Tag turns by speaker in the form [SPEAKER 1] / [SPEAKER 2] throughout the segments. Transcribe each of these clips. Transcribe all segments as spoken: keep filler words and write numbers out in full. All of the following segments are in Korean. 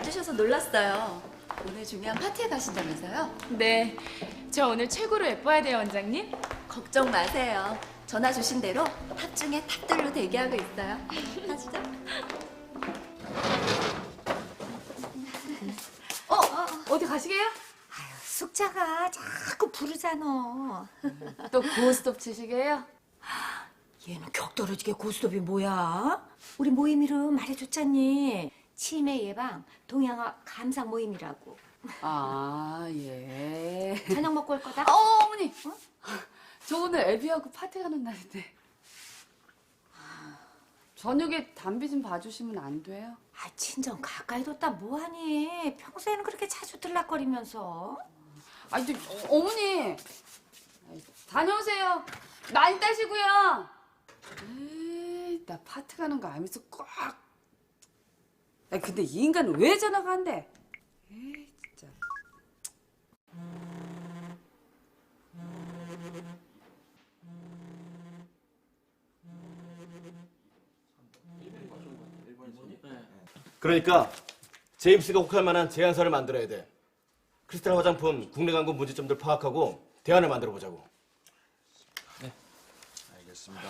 [SPEAKER 1] 와주셔서 놀랐어요. 오늘 중요한 파티에 가신다면서요?
[SPEAKER 2] 네, 저 오늘 최고로 예뻐야 돼요, 원장님.
[SPEAKER 1] 걱정 마세요. 전화 주신 대로 탑 중에 탑들로 대기하고 있어요. 가시죠.
[SPEAKER 2] 어, 어디 가시게요?
[SPEAKER 3] 숙자가 자꾸 부르잖아.
[SPEAKER 2] 또 고스톱 치시게요?
[SPEAKER 3] 얘는 격떨어지게 고스톱이 뭐야? 우리 모임 이름 말해줬잖니. 치매 예방 동양화 감상 모임이라고.
[SPEAKER 2] 아, 예.
[SPEAKER 3] 저녁 먹고 올 거다?
[SPEAKER 2] 어, 어머니. 어? 저 오늘 애비하고 파티 가는 날인데. 저녁에 담비 좀 봐주시면 안 돼요?
[SPEAKER 3] 아, 친정 가까이 뒀다 뭐하니? 평소에는 그렇게 자주 들락거리면서.
[SPEAKER 2] 아니, 저, 어, 어머니. 다녀오세요. 많이 따시고요. 에이, 나 파티 가는 거 알면서 꼭. 아니, 근데 이 인간은 왜 전화가 안 돼? 에이, 진짜.
[SPEAKER 4] 그러니까 제임스가 혹할 만한 제안서를 만들어야 돼. 크리스탈 화장품 국내 광고 문제점들 파악하고 대안을 만들어 보자고.
[SPEAKER 5] 네, 알겠습니다.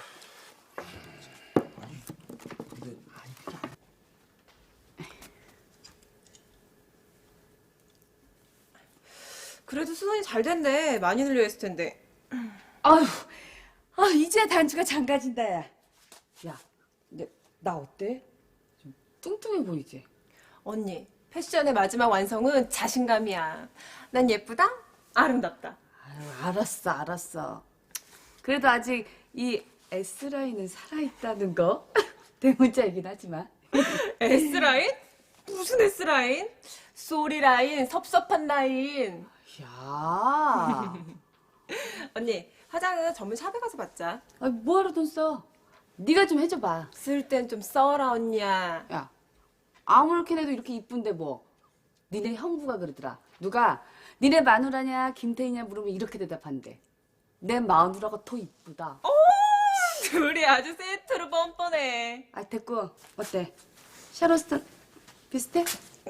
[SPEAKER 6] 그래도 수선이 잘 됐네. 많이 늘려했을 텐데.
[SPEAKER 2] 아유, 아, 이제야 단추가 장가진다, 야. 야, 근데 나 어때? 좀 뚱뚱해 보이지?
[SPEAKER 6] 언니, 패션의 마지막 완성은 자신감이야. 난 예쁘다? 아름답다.
[SPEAKER 2] 아유, 알았어, 알았어. 그래도 아직 이 S라인은 살아있다는 거? 대문자이긴 하지만.
[SPEAKER 6] S라인? 무슨 S라인? 쏘리 라인, 섭섭한 라인.
[SPEAKER 2] 야,
[SPEAKER 6] 언니, 화장은 전문 샵에 가서 받자.
[SPEAKER 2] 아, 뭐하러 돈 써? 네가 좀 해줘봐.
[SPEAKER 6] 쓸 땐 좀 써라, 언니야.
[SPEAKER 2] 야, 아무렇게 해도 이렇게 이쁜데 뭐. 니네 형부가 그러더라. 누가 니네 마누라냐 김태희냐 물으면 이렇게 대답한대. 내 마누라가 더 이쁘다.
[SPEAKER 6] 둘이 아주 세트로 뻔뻔해.
[SPEAKER 2] 아, 됐고. 어때? 샤로스톤 비슷해?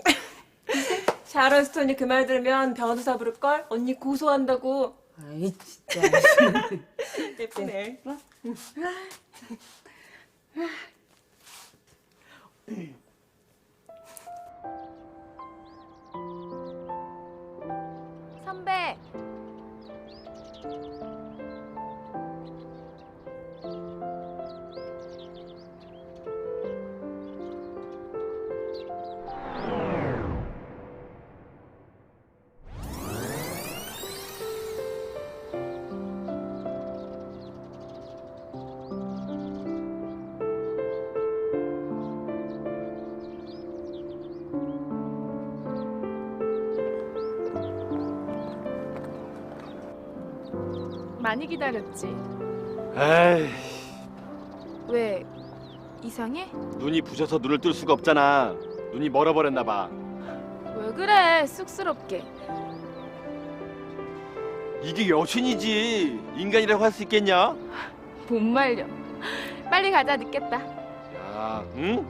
[SPEAKER 6] 샤론스톤이 그 말 들으면 변호사 부를걸? 언니 고소한다고.
[SPEAKER 2] 아이, 진짜.
[SPEAKER 6] 예쁘네.
[SPEAKER 2] 선배.
[SPEAKER 7] 많이 기다렸지?
[SPEAKER 4] 에이,
[SPEAKER 7] 왜? 이상해?
[SPEAKER 4] 눈이 부셔서 눈을 뜰 수가 없잖아. 눈이 멀어버렸나 봐.
[SPEAKER 7] 왜 그래? 쑥스럽게.
[SPEAKER 4] 이게 여신이지. 인간이라고 할 수 있겠냐?
[SPEAKER 7] 못 말려. 빨리 가자, 늦겠다.
[SPEAKER 4] 야, 응?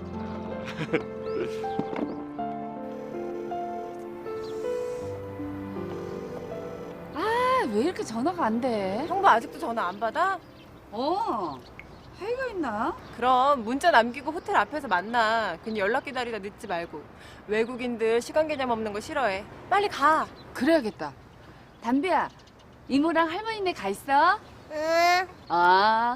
[SPEAKER 2] 아, 왜 이렇게 전화가 안 돼?
[SPEAKER 6] 형부 아직도 전화 안 받아?
[SPEAKER 2] 어, 회의가 있나?
[SPEAKER 6] 그럼 문자 남기고 호텔 앞에서 만나. 괜히 연락 기다리다 늦지 말고. 외국인들 시간 개념 없는 거 싫어해. 빨리 가.
[SPEAKER 2] 그래야겠다. 담비야, 이모랑 할머니네 가 있어?
[SPEAKER 6] 응.
[SPEAKER 2] 아.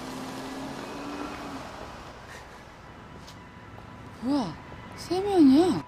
[SPEAKER 2] 뭐야, 세면이야?